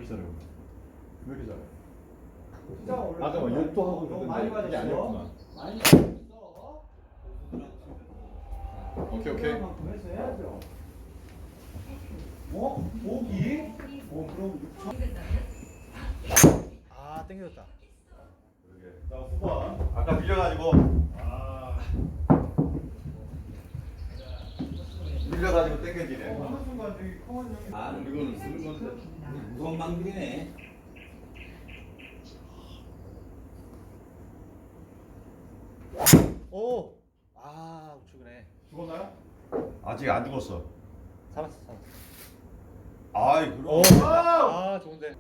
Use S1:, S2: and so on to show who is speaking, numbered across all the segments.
S1: 이렇게 잘해? 왜 이렇게 잘해?
S2: 진짜 어려워.
S1: 아까 막 욕도 하고
S2: 너무 많이
S1: 그러던데 이게 아니었구만.
S2: 많이 맞았어.
S1: 오케이 오케이.
S2: 만큼 해서 해야죠. 고기? 그럼 6천.
S3: 아 땡겨졌다.
S1: 자 후반. 아까 밀려가지고. 밀려가지고 땡겨지네.
S2: 어느 순간 저기 커먼 형이.
S4: 아, 이거는 쓰는 건데 무서운 방들이네.
S3: 오. 아 우측이네.
S1: 죽었나요? 아직 안 죽었어.
S3: 살았어.
S1: 아이
S3: 오.
S1: 그럼.
S3: 아 좋은데.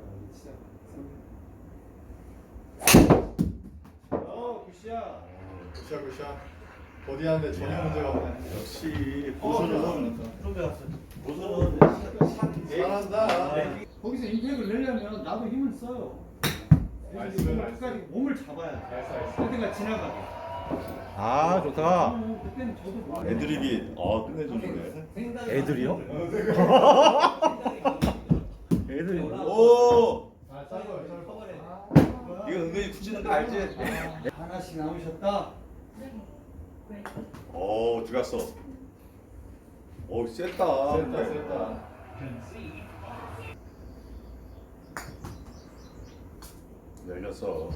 S2: 굿샷.
S1: 굿샷. 버디하는데 전혀 문제가 없네. 역시 보수는
S4: 보서는
S1: 잘한다.
S2: 거기서 임팩을 내려면 나도 힘을 써요.
S1: 나이스,
S2: 몸을
S1: 나이스.
S2: 끝까지 몸을 잡아야 돼.
S1: 나이스.
S2: 그때가 지나가게.
S3: 아 좋다.
S2: 그때는 저도 뭐.
S1: 애드립이 끝내주네.
S3: 애들이요? 애들이.
S1: 오.
S2: 짧아요.
S1: 이거 은근히 굳히는 거 알지?
S2: 하나씩 남으셨다.
S1: 오 들어갔어. 오 셌다. 셌다. 열렸어.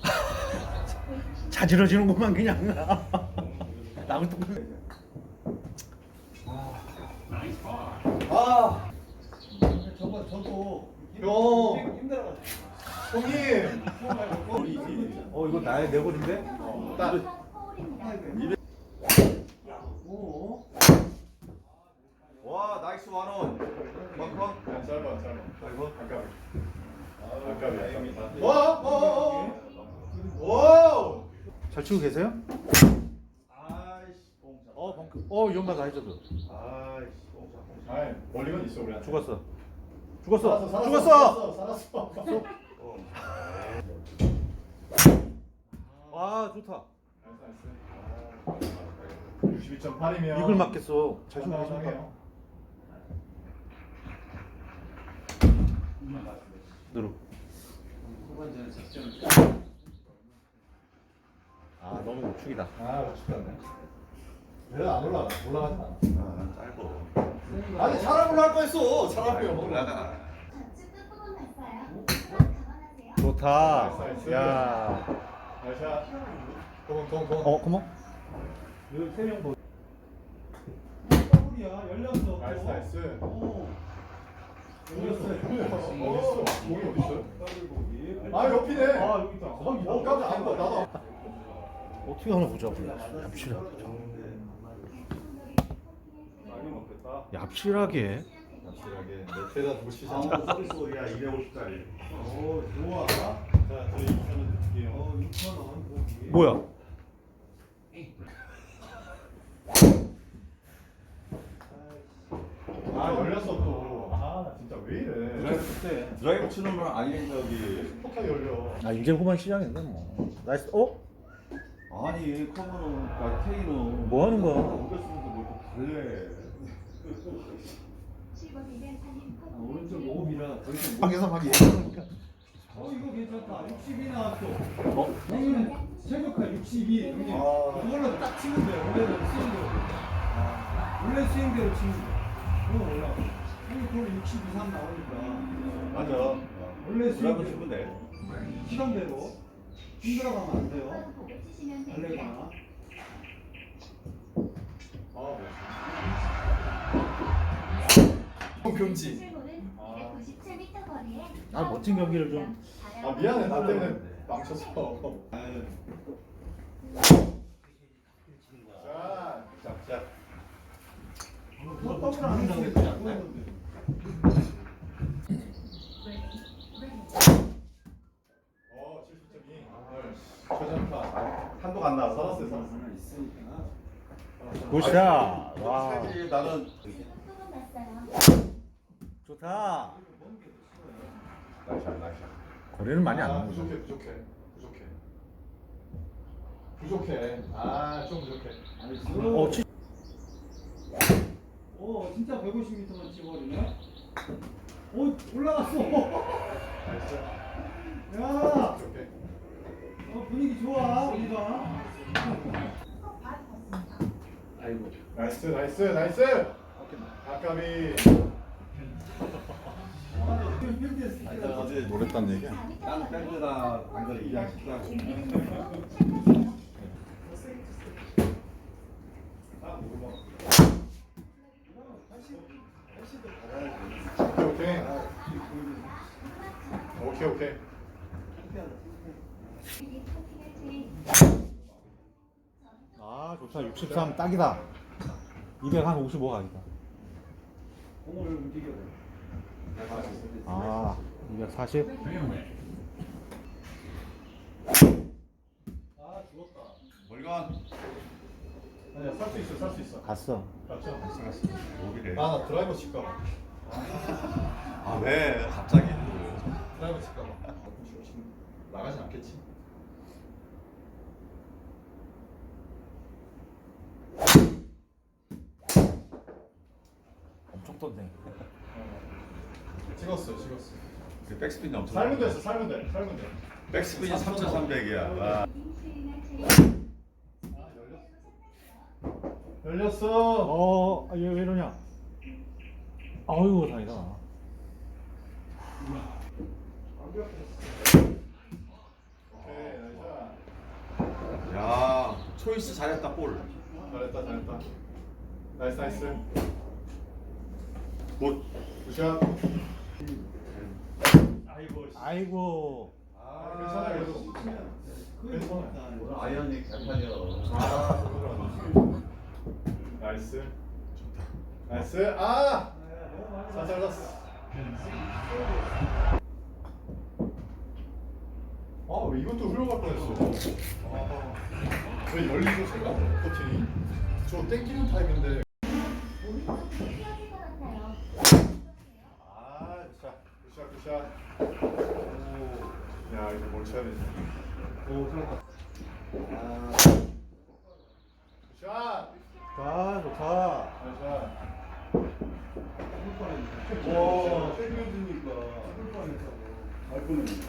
S3: 자지러지는구만 그냥. 나무 또.
S2: 저도
S1: 형.
S2: 힘들어가지고.
S1: 형님.
S3: 이거 나의 내 골인데?
S1: 딱.
S2: 오.
S1: 와 나이스 원온. 벙커. 짧아. 아이고 아까비. 와.
S3: 잘 치고 계세요?
S1: 아이씨.
S3: 벙크. 위험하다 해줘도.
S1: 아이씨. 아이 멀리건 있어 우리.
S3: 죽었어.
S1: 살았어.
S3: 와 좋다.
S1: 62.8이면
S3: 이걸 맞겠어. 잘 치고 계십니까?
S1: 상당해요.
S3: 누르. 아 너무 우측이다.
S1: 죽겠네. 내가 안 올라가지 않아.
S4: 짧어.
S1: 아니 사람 올라갈 뻔했어. 사람이 올라가.
S3: 좋다.
S1: 나이스.
S3: 야.
S1: 나이스. 동.
S3: 고모?
S2: 여기 세명 보. 더블이야. 열렸어.
S1: 나이스.
S2: 오. 열렸어요.
S1: 어딨어? 공이 어딨어요?
S2: 더블 보기.
S1: 아 옆이네.
S2: 여기 있다.
S1: 깜짝 안 봐. 나도.
S3: 어떻게 하나 보자. 얍실하게. 얍실하게.
S1: 확실하게 넷에다 두시잖아.
S4: 서비스야 250짜리.
S2: 오, 좋아.
S1: 자, 저희 2,000원 드릴게요.
S2: 6,000원 보기.
S3: 뭐야?
S1: 아 열렸어 또. 나 진짜 왜 이래?
S4: 드라이브 치는 건 아니 저기.
S1: 폭탄 열려.
S3: 아 이제 후반 시작인데 뭐. 나이스.
S4: 아니 커버는 K는
S3: 뭐 하는 거야?
S4: 오겠으면서 뭐 달래.
S2: 오른쪽 5이라 더 이상 못.
S3: 방에서 막 얘기하니까.
S2: 이거 괜찮다. 62 나왔어. 형님 최고가 62. 형님 이걸로 딱 치면 돼. 원래는 스윙대로. 원래 스윙대로 치면 돼. 그거 올라. 형님 그걸 62, 3 나오니까.
S1: 맞아.
S2: 원래
S4: 드라이브
S2: 스윙대로.
S4: 치면 돼.
S2: 시간대로 힘들어가면 안 돼요. 달래거나.
S1: 금지.
S3: 아 멋진 경기를 좀.
S1: 아 미안해 나 때문에 망쳤어. 자.
S2: 더블 안 했으면
S1: 어 70.2. 최전파. 한도가 안 나와. 살았어.
S2: 있으니까.
S3: 굿샷. 와.
S1: 사실 나는
S3: 좋다.
S1: 나이스.
S3: 거리는 많이 안 나오죠.
S1: 부족해. 좀 부족해.
S2: 나이스. 오, 진짜 150m만 찍어버리네. 오 올라갔어.
S1: 나이스.
S2: 야,
S1: 오케이.
S2: 분위기 좋아 우리가.
S3: 아이고.
S1: 나이스 나이스 나이스. 아까비.
S4: 어제
S3: 모르겠다는 얘기야.
S4: 딴 밴드나 당근 이야기하고.
S1: 오케이. 오케이 오케이.
S3: 아 좋다. 63 딱이다. 255 각이다.
S2: 공을 움직여.
S3: 아 240.
S2: 아 죽었다.
S4: 멀건.
S1: 아니야 살 수 있어 살 수 있어.
S3: 갔어.
S1: 맞죠?
S4: 여기래.
S1: 아나 드라이버 칠까 봐.
S4: 아 왜 갑자기?
S1: 드라이버 칠까 봐. 지금 나가진 않겠지.
S3: 엄청 떴네.
S1: 찍었어 찍었어.
S4: 그 백스핀이 엄청.
S1: 살면 됐어 살면 돼 살면 돼.
S4: 백스핀이 3,300이야. 와.
S1: 열렸어.
S3: 얘 왜 이러냐? 아유 다행이다.
S1: 오케이 나이스.
S4: 야 초이스 잘했다 볼.
S1: 잘했다 잘했다. 나이스 나이스.
S4: 굿.
S1: 굿샷. 아이고.
S3: 아이고.
S1: 아 괜찮아 그래도. 괜찮아.
S4: 오늘 아이언이 개판이야.
S1: 아 나이스. 나이스. 아. 잘 잘랐어. 아 왜 이것도 흘러갈 뻔했어. 왜 열리죠 제가 코팅이? 저 땡기는 타입인데. 아 굿샷 굿샷. 오. 야 이거 뭘 쳐야 되지?
S2: 오 들어갔다.
S1: 아. 굿샷.
S3: 자 좋다.
S1: 굿샷.
S2: 와, 세그려지니까 죽을 뻔했다고. 알 뻔했네.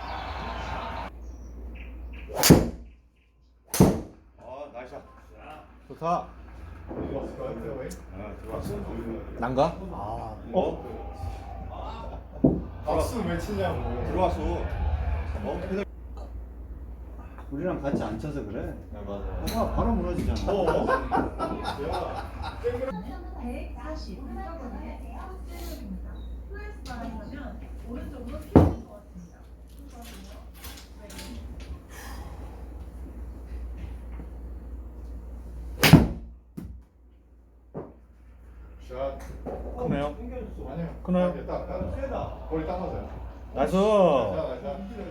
S4: 아 나이스.
S3: 좋다.
S1: 들어왔을까요? 페어웨이?
S4: 아 들어왔어.
S3: 난가? 아.
S1: 박수 왜 치냐고.
S4: 들어왔어. 어?
S2: 우리랑 같이 안 쳐서 그래.
S1: 아 맞아.
S2: 아, 바로 무너지잖아.
S1: 야, 땡그려.
S5: 140. 왼쪽입니다. 플레이스 바라면 오른쪽으로 피하는 것 같습니다.
S1: 샷.
S3: 크네요.
S2: 땡겨줬어.
S1: 아니요.
S3: 끊어요?
S1: 딱.
S2: 세다.
S1: 거리 딱 맞아요.
S3: 나이스.
S1: 자.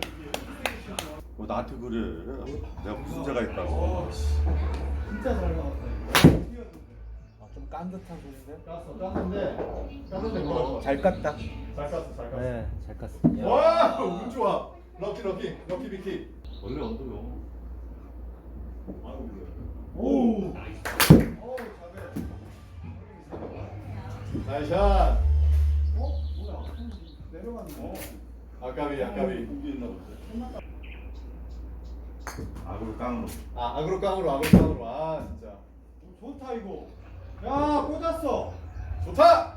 S4: 뭐 나한테 그래? 내가 무슨 죄가 있다고?
S2: 진짜 잘 나왔다. 이거.
S3: 좀 깐 듯한 소리인데.
S1: 깠는데 뭐가
S3: 잘 깠다.
S1: 잘 깠어 잘 깠어.
S3: 네, 잘 깠어.
S1: 와, 운 좋아. 럭키 비키.
S4: 원래 언더요.
S2: 오.
S1: 나이스 샷.
S2: 뭐야? 내려갔네.
S1: 아까비.
S4: 악으로 깡으로.
S1: 아, 악으로 깡으로. 아, 진짜.
S2: 좋다 이거. 야 꽂았어.
S1: 좋다.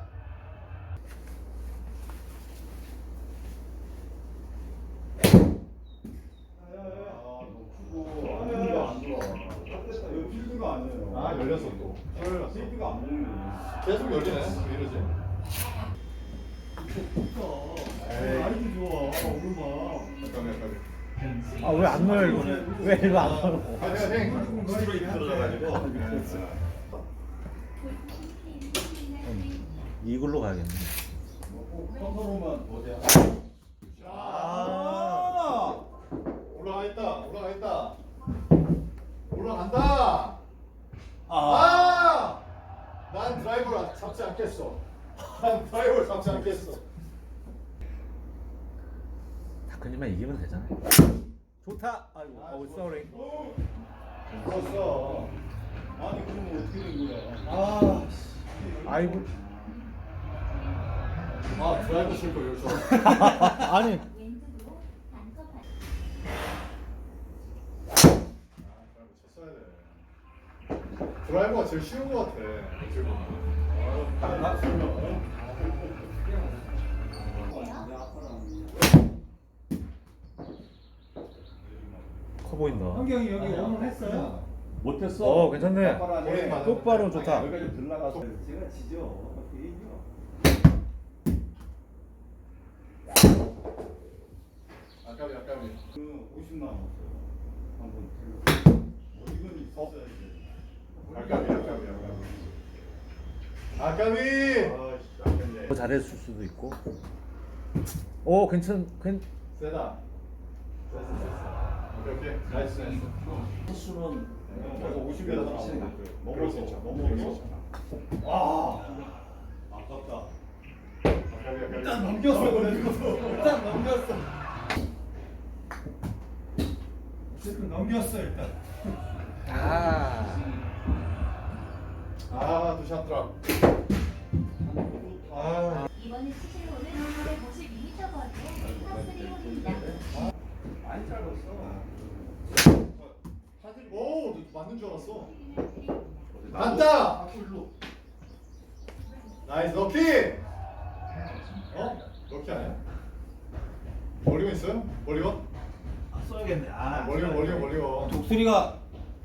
S2: 이거 필드가 아니에요.
S1: 아, 열렸어 또. 열렸어.
S2: 필드가 안 열리네.
S1: 계속 열리네. 왜 이러지? 에이.
S2: 아이디 좋아. 오르막.
S1: 잠깐만.
S3: 아 왜 안 넣어요 이거는? 왜 이거 안 넣어?
S1: 화이팅.
S4: 스트레이트 들어가가지고.
S3: 이글로 가야겠네.
S2: 컨트롤만 보자.
S1: 아. 올라간다. 난 드라이버를 잡지 않겠어.
S3: 다크님만 이기면 되잖아. 좋다. 아이고. 쏘리.
S2: 죽었어. 아니 그러면 어떻게 된 거야? 아.
S3: 아이고.
S1: 아 드라이버 칠 걸 여기서.
S3: 아니
S6: 왼쪽으로 반컵
S1: 쳤어야 돼. 드라이버가 제일 쉬운 것 같아. 어떻게 보면.
S3: 커 보인다.
S2: 현경이 여기 오늘 했어요?
S4: 못했어.
S3: 어 괜찮네.
S1: 머리 맞아.
S3: 똑바로 좋다.
S4: 여기까지 좀 들나가서.
S2: 제가 지죠. 이겨.
S1: 아까비 아까비.
S2: 그 50만 원 없어요. 한번 들려. 이건 있었어야지.
S1: 아까비 아까비 아까비. 아까비. 아씨 아깝네.
S3: 더 잘했을 수도 있고. 오 괜찮.
S1: 세다. 오케이 오케이. 나이스 나이스.
S4: 수는
S1: 그래서 50m 치는 거. 넘어올 수 있죠.
S2: 넘어올 수
S1: 있죠.
S2: 아, 아깝다.
S1: 아까비 아까비.
S2: 일단 넘겼어, 그래도. 일단 넘겼어. 어쨌든 넘겼어 일단.
S1: 아 두샷 드랍. 아.
S6: 이번에 치실 홀은 152m 거리의 파3 홀입니다.
S2: 많이 짧았어.
S1: 오 맞는 줄 알았어. 간다. 나이스 럭키. 어? 럭키 아니야? 멀리건 있어요? 멀리건?
S2: 써야겠네. 아,
S1: 멀리건.
S2: 독수리가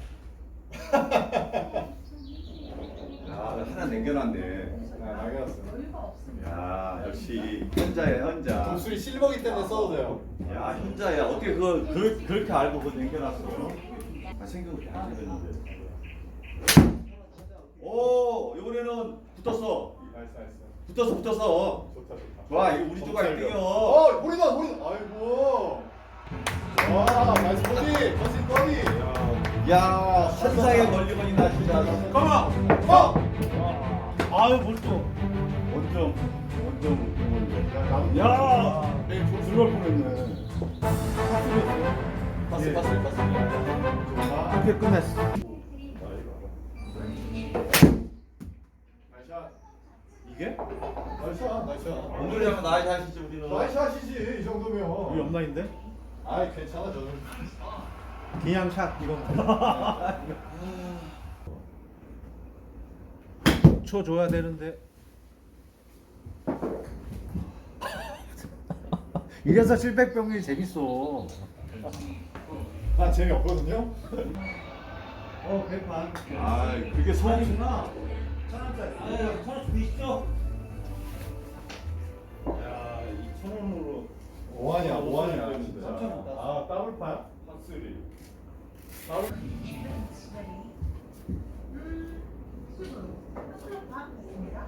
S4: 야 하나 남겨놨네.
S1: 아 막연했어.
S5: 여유가 없습니다.
S4: 야 역시 현자야 현자.
S1: 독수리 실버기 때문에 써도 돼요.
S4: 야 현자야 어떻게 그렇게 알고 그거 남겨놨어? 아 생각을 안 해봤는데. 오 이번에는 붙었어.
S1: 나이스.
S4: 붙었어.
S1: 좋다.
S4: 좋아 이거 우리 쪽가 1등이요.
S1: 어 머리다. 아이고. 와 나이스 버디. 버디 버디.
S4: 야 환상의 멀리건이나 진짜.
S1: 가만.
S3: 아유 뭘 또.
S4: 원점.
S1: 야.
S4: 들어갈 뻔했네.
S1: 좋다.
S3: 이렇게 끝냈어.
S1: 나이스.
S4: 이게?
S1: 나이스.
S4: 오늘 잡은 나이 다시지 우리는.
S1: 나이스 하시지 이 정도면.
S3: 우리 옆라인데?
S1: 아이 괜찮아 저는.
S3: 그냥 샷 이건. 쳐 줘야 되는데. 이래서 700병이 재밌어.
S1: 난 재미없거든요.
S2: 백반.
S4: 아 그게 소음.
S2: 아니구나. 1,000원짜리. 아, 1,000원 주시죠. 야, 2,000원으로.
S1: 뭐하냐 진짜.
S2: 깜짝 놀랐어.
S1: 아 더블파야.
S2: 핫쓰리.
S5: 수준 파악됐습니다.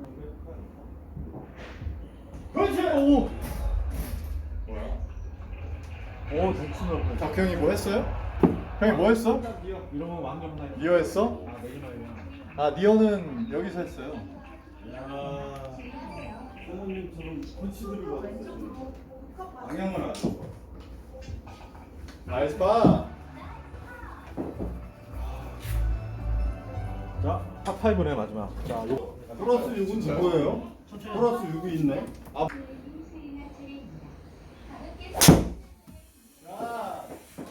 S1: 그렇지. 오. 뭐야?
S3: 오 좋구나.
S1: 덕형이 뭐 했어요? 형이 뭐 했어?
S3: 이러면 왕년 나이.
S1: 니어 했어?
S3: 아 내리막이야.
S1: 아 니어는 여기서 했어요.
S2: 야, 선생님처럼 펀치들을
S5: 왼쪽으로 컵 맞
S2: 방향을 안 줘.
S1: 나이스 파.
S3: 자, 탑5네 마지막. 자, 요.
S2: 플러스 6은 누구예요? 플러스 6이 있네. 아,
S1: 자.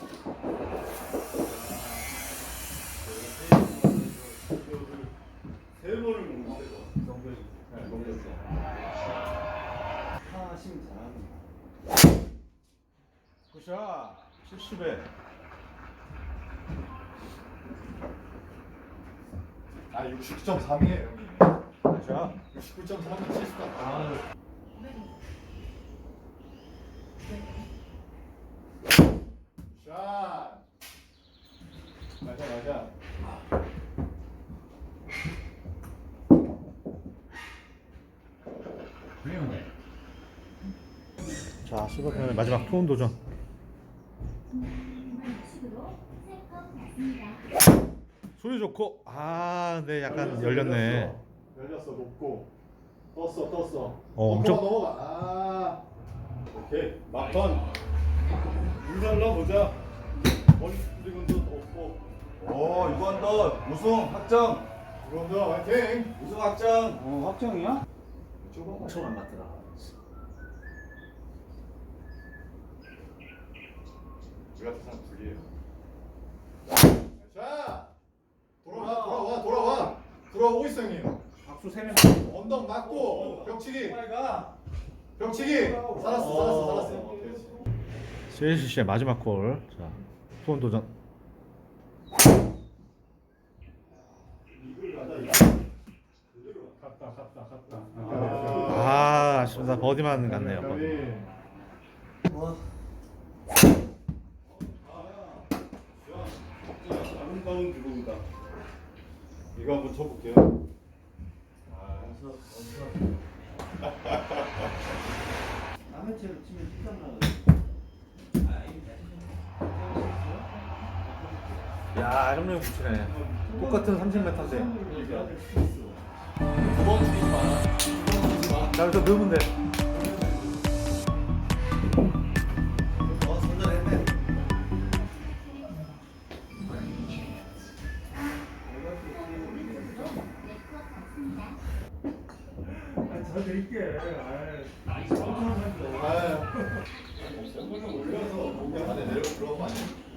S2: 세 번을 먹는 거.
S1: 네, 넘겼어.
S2: 하심 잘하는
S3: 굿샷. 70에.
S1: 아 69.3이에요.
S3: 자.
S1: 69.3은 70.
S3: 아,
S1: 샷. 맞아.
S3: 자, 실버편의 마지막 투혼 도전.
S6: 식으로 3컵 맞습니다.
S3: 소리 좋고. 아, 네, 약간 열렸네.
S1: 열렸어 높고 떴어.
S3: 엄청-
S1: 넘어가. 아.
S2: 오케이. 막판. 물 달라보자. 머리 스프링도 없고.
S4: 오 이번 또 우승 확정.
S1: 그럼요 화이팅.
S4: 우승 확정.
S2: 확정이야?
S1: 좁아.
S3: 처음 안 맞더라.
S1: 우리 같은 사람 둘이에요. 자, 돌아오고 있어 형님.
S4: 박수 3명.
S1: 언덕 맞고 벽치기.
S2: 빨가.
S1: 벽치기. 살았어. 그렇지.
S3: CLCC의 마지막 골. 자, 수원 도전. 아, 아쉽다. 버디만 갔네요. 버디.
S4: 아름다운 드로우다.
S1: 이거 한번 쳐볼게요.
S2: 남의 채로 치면 뒷담 나가.
S3: 야, 형님 붙이네. 똑같은 30m인데.
S1: 두번 치지 마.
S3: 자, 여기서 넣으면 돼.
S2: 저 드릴게.
S1: 아유. 안에 내려가 들어가면 안 돼.